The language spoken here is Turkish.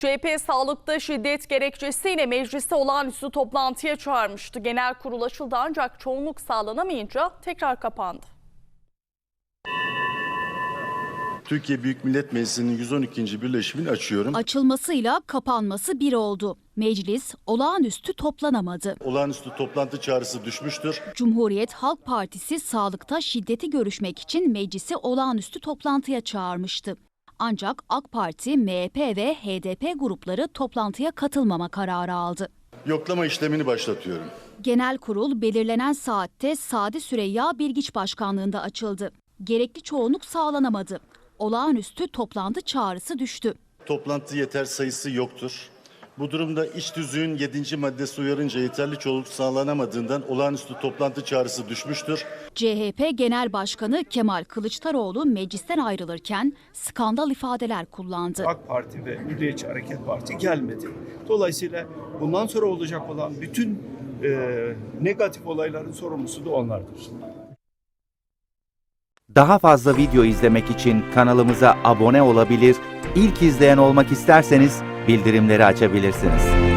CHP sağlıkta şiddet gerekçesiyle mecliste olağanüstü toplantıya çağırmıştı. Genel kurul açıldı ancak çoğunluk sağlanamayınca tekrar kapandı. Türkiye Büyük Millet Meclisi'nin 112. birleşimini açıyorum. Açılmasıyla kapanması bir oldu. Meclis olağanüstü toplanamadı. Olağanüstü toplantı çağrısı düşmüştür. Cumhuriyet Halk Partisi sağlıkta şiddeti görüşmek için meclisi olağanüstü toplantıya çağırmıştı. Ancak AK Parti, MHP ve HDP grupları toplantıya katılmama kararı aldı. Yoklama işlemini başlatıyorum. Genel kurul belirlenen saatte Sadi Süreyya Bilgiç başkanlığında açıldı. Gerekli çoğunluk sağlanamadı. Olağanüstü toplantı çağrısı düştü. Toplantı yeter sayısı yoktur. Bu durumda iç tüzüğün 7. maddesi uyarınca yeterli çoğunluk sağlanamadığından olağanüstü toplantı çağrısı düşmüştür. CHP Genel Başkanı Kemal Kılıçdaroğlu meclisten ayrılırken skandal ifadeler kullandı. AK Parti ve Milliyetçi Hareket Parti gelmedi. Dolayısıyla bundan sonra olacak olan bütün negatif olayların sorumlusu da onlardır. Daha fazla video izlemek için kanalımıza abone olabilir, ilk izleyen olmak isterseniz bildirimleri açabilirsiniz.